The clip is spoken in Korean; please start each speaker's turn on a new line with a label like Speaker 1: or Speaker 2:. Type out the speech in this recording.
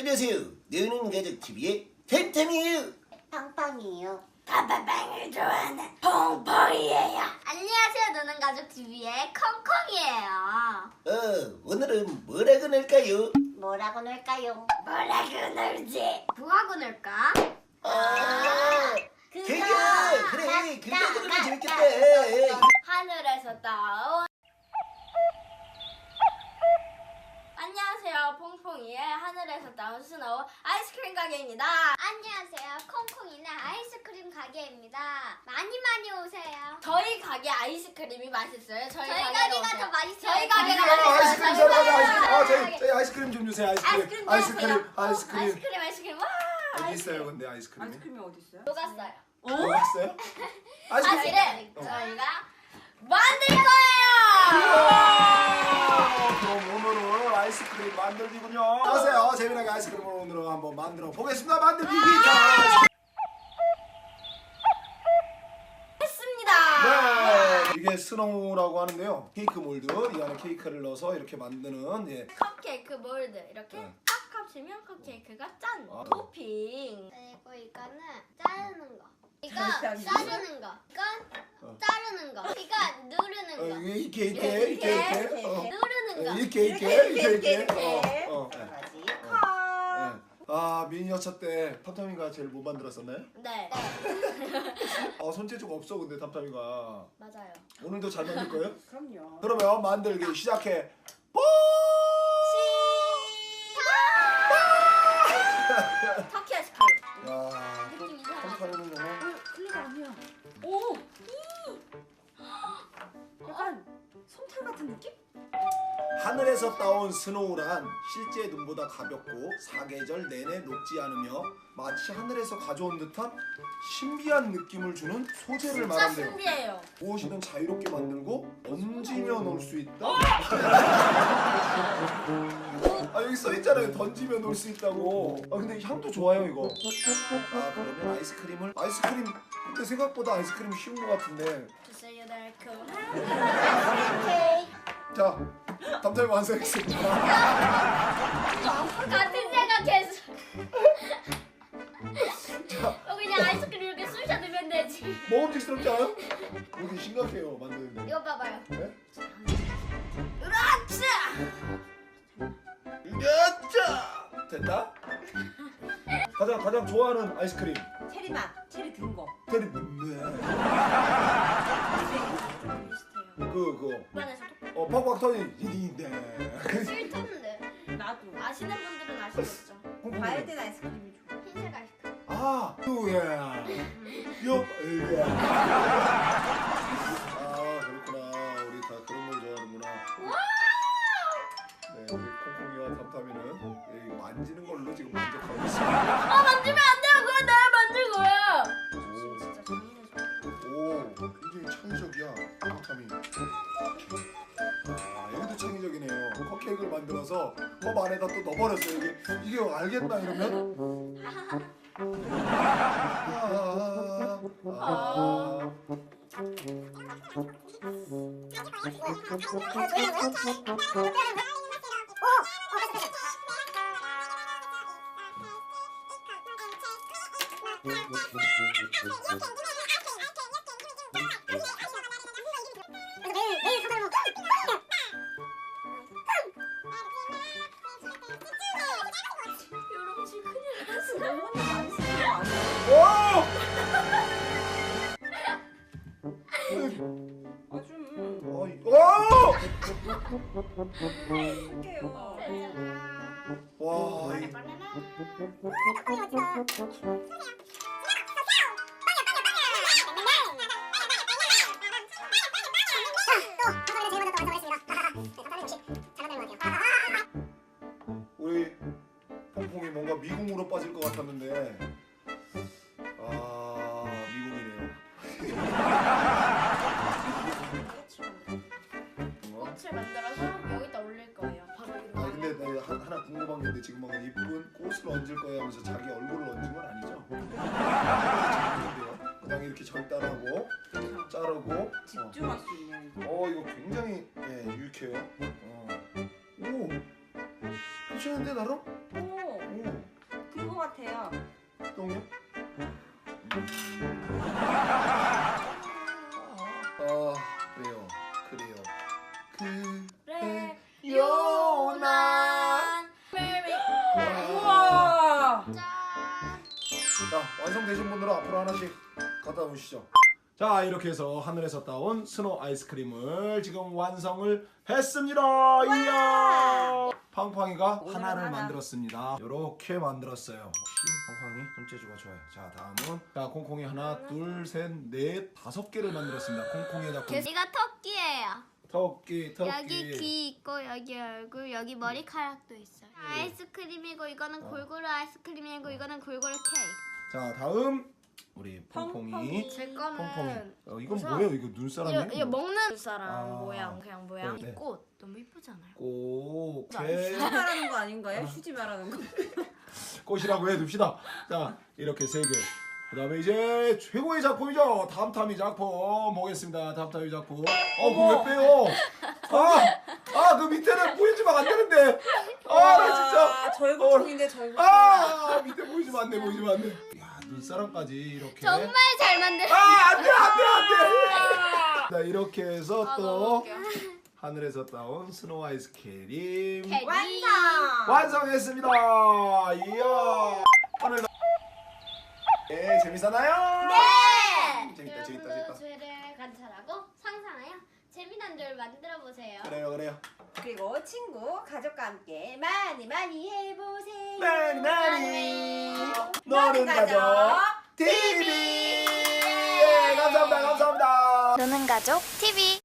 Speaker 1: 안녕하세요. 너는 가족 TV의 템템이에요.
Speaker 2: 팡팡이에요.
Speaker 3: 다빠빵을 좋아하는 퐁퐁이에요.
Speaker 2: 안녕하세요. 노는 가족 TV의 콩콩이에요.
Speaker 1: 오늘은 뭐라고 놀까요?
Speaker 2: 뭐라고 놀까요?
Speaker 3: 뭐라고 놀지?
Speaker 2: 뭐하고 놀까?
Speaker 1: 그래 그거 들으면 재밌겠다.
Speaker 3: 하늘에서 따온 안녕하세요. 퐁퐁이의 하늘에서 따온 스노우 아이스크림 가게입니다.
Speaker 2: 안녕하세요. 콩콩이는 아이스크림 가게입니다. 많이 오세요.
Speaker 3: 저희 가게 아이스크림이 맛있어요. 저희
Speaker 2: 가게가
Speaker 3: 오세요.
Speaker 2: 더 맛있어요.
Speaker 3: 저희 가게가
Speaker 4: 아이스크림
Speaker 3: 저희
Speaker 4: 사러 가자.
Speaker 3: 가게가
Speaker 4: 저희 아이스크림 좀 주세요. 아이스크림.
Speaker 3: 아이스크림. 와.
Speaker 4: 어디 있어요, 근데 아이스크림이?
Speaker 5: 아이스크림이 어디 있어요?
Speaker 3: 녹았어요.
Speaker 4: 먹었어요?
Speaker 3: 사실은 저희가 만들 거예요.
Speaker 4: 그럼 오늘은 아이스크림 만들기군요. 안녕하세요. 재미나게 아이스크림을 오늘은 한번 만들어 보겠습니다. 만들기 자.
Speaker 3: 했습니다.
Speaker 4: 네, 이게 스노우라고 하는데요. 케이크 몰드 이 안에 케이크를 넣어서 이렇게 만드는
Speaker 3: 컵케이크 몰드 이렇게
Speaker 4: 네.
Speaker 3: 딱 합치면 컵케이크가 짠.
Speaker 4: 아.
Speaker 3: 토핑.
Speaker 2: 그리고 이거는 자르는 거. 이거
Speaker 5: 잘라야지.
Speaker 2: 자르는 거. 이건 자르는 거. 이거 누르는 거.
Speaker 4: 이렇게
Speaker 2: 누르는 거.
Speaker 4: 이렇게
Speaker 5: 가지.
Speaker 4: 아, 미니 여차 때 탐탐이가 제일 못 만들었었나요?
Speaker 3: 네.
Speaker 4: 손재주가 없어 근데 탐탐이가
Speaker 3: 맞아요.
Speaker 4: 오늘도 잘 만들 거예요?
Speaker 5: 그럼요.
Speaker 4: 그러면 만들기 시작해.
Speaker 3: 터키 아이스크림.
Speaker 4: 야,
Speaker 3: 느낌 이상하죠?
Speaker 4: 탐탐이는 정말
Speaker 5: 클리가 아니야. 오! 약간 솜털 같은 느낌?
Speaker 4: 하늘에서 따온 스노우란 실제 눈보다 가볍고 사계절 내내 녹지 않으며 마치 하늘에서 가져온 듯한 신비한 느낌을 주는 소재를
Speaker 3: 진짜
Speaker 4: 말한대요.
Speaker 3: 신기해요.
Speaker 4: 무엇이든 자유롭게 만들고 던지며 놀 수 있다. 여기 써 있잖아요. 던지며 놀 수 있다고. 근데 향도 좋아요 이거. 그러면 아이스크림 근데 생각보다 아이스크림이 쉬운 것 같은데.
Speaker 3: 주세요 달콤한.
Speaker 4: 자, 탐탐이 완성했습니다.
Speaker 3: 같은 생각했어.
Speaker 4: 자,
Speaker 3: 그냥 아이스크림 이렇게 쑤셔 넣으면 되지.
Speaker 4: 먹음직스럽지 않아요? 이게 심각해요 만드는데.
Speaker 3: 이거 봐봐요.
Speaker 4: 네?
Speaker 3: 으라차!
Speaker 4: 야짜! 됐다? 가장 좋아하는 아이스크림.
Speaker 5: 체리 맛. 체리 든 거.
Speaker 4: 테리
Speaker 3: 비슷해요.
Speaker 4: 그거
Speaker 3: 입안에서도
Speaker 4: 팍팍 터진 일인데.
Speaker 2: 싫던데.
Speaker 5: 나도.
Speaker 3: 아시는 분들은 아시겠죠.
Speaker 5: 과일된 아이스크림이 좋아.
Speaker 2: 흰색 아이스크림.
Speaker 4: 그거야. 그렇구나. 우리 다 그런 걸 좋아하는구나. 네, 우리 콩콩이와 탐탐이는 만지는 걸로 지금 만족하고 있습니다.
Speaker 3: 만지면 안 돼요. 그건 내가 만들 거야. 진짜 장인의
Speaker 4: 오, 굉장히 창의적이야, 탐탐이. 여기도 창의적이네요. 컵케이크를 만들어서 컵 안에다 또 넣어버렸어요. 이게 알겠나 이러면?
Speaker 3: 여러분 지금 큰일 났어.
Speaker 5: 너무 많이 쓰는 거 아니야? 아주 할게요.
Speaker 4: 와, 우리 퐁퐁이 뭔가 미궁으로 빠질 것 같았는데 미궁이네요.
Speaker 3: 꽃을 만들어서 여기다 올릴 거예요. 바로 이거.
Speaker 4: 근데 나 하나 궁금한 게 있는데 지금 막 이쁜 꽃을 얹을 거야 하면서 자기 얼굴을 얹은 건 아니죠? 그냥 이렇게 절단하고 자르고
Speaker 5: 집중할 수 있는 이거.
Speaker 4: 이거 굉장히 유익해요. 오, 괜찮은데 나름?
Speaker 5: 오.
Speaker 4: 똥이요? 왜요? 그래요.
Speaker 3: 그래
Speaker 4: 요난.
Speaker 5: 우와.
Speaker 2: 짠.
Speaker 4: 자, 완성되신 분들은 앞으로 하나씩 갖다 놓으시죠. 자, 이렇게 해서 하늘에서 따온 스노우 아이스크림을 지금 완성을 했습니다. 이야! 팡팡이가
Speaker 5: 오늘은
Speaker 4: 하나를
Speaker 5: 하나.
Speaker 4: 만들었습니다. 이렇게 만들었어요. 역시 팡팡이 손재주가 좋아요. 자, 다음은 자, 콩콩이 하나, 둘, 셋, 넷, 5개를 만들었습니다. 콩콩이에다
Speaker 2: 이거 토끼예요.
Speaker 4: 토끼.
Speaker 2: 여기 귀 있고 여기 얼굴 여기 머리카락도 있어요. 아이스크림이고 이거는 골고루 아이스크림이고 이거는 골고루 케이크.
Speaker 4: 자, 다음 우리 퐁퐁이.
Speaker 5: 퐁퐁이.
Speaker 3: 제
Speaker 4: 퐁퐁이.
Speaker 3: 거는
Speaker 4: 이건 뭐예요? 이거 눈사람이에요?
Speaker 3: 이거 먹는 사람
Speaker 4: 아.
Speaker 3: 모양 그냥 모양.
Speaker 4: 네, 네.
Speaker 3: 이 꽃 너무 이쁘잖아요.
Speaker 4: 오케이.
Speaker 5: 휴지 말하는 거 아닌가요? 휴지 말하는 거.
Speaker 4: 꽃이라고 해둡시다. 자, 이렇게 3개. 그 다음에 이제 최고의 작품이죠. 다음타미 작품 보겠습니다. 다음타미 작품. 그거 왜 빼요? 그 밑에는 보여주면 안 되는데. 나 진짜.
Speaker 5: 절구통인데 절구통.
Speaker 4: 밑에 보여주면 안 돼, 보여주면 안 돼. 야, 눈사람까지 이렇게.
Speaker 2: 정말 잘 만들었어요.
Speaker 4: 안 돼. 자, 이렇게 해서 또
Speaker 3: 너무 웃겨.
Speaker 4: 하늘에서 따온 스노우 아이스크림
Speaker 5: 완성.
Speaker 4: 완성했습니다. 이야. 하늘 네, 재밌었나요?
Speaker 2: 네.
Speaker 4: 재밌다.
Speaker 2: 여러분도 죄를 관찰하고 상상하여 재미난 줄 만들어 보세요.
Speaker 4: 그래요.
Speaker 5: 그리고 친구, 가족과 함께 많이 해보세요.
Speaker 4: 많이 노는 가족 TV. 감사합니다.
Speaker 2: 노는 가족 TV.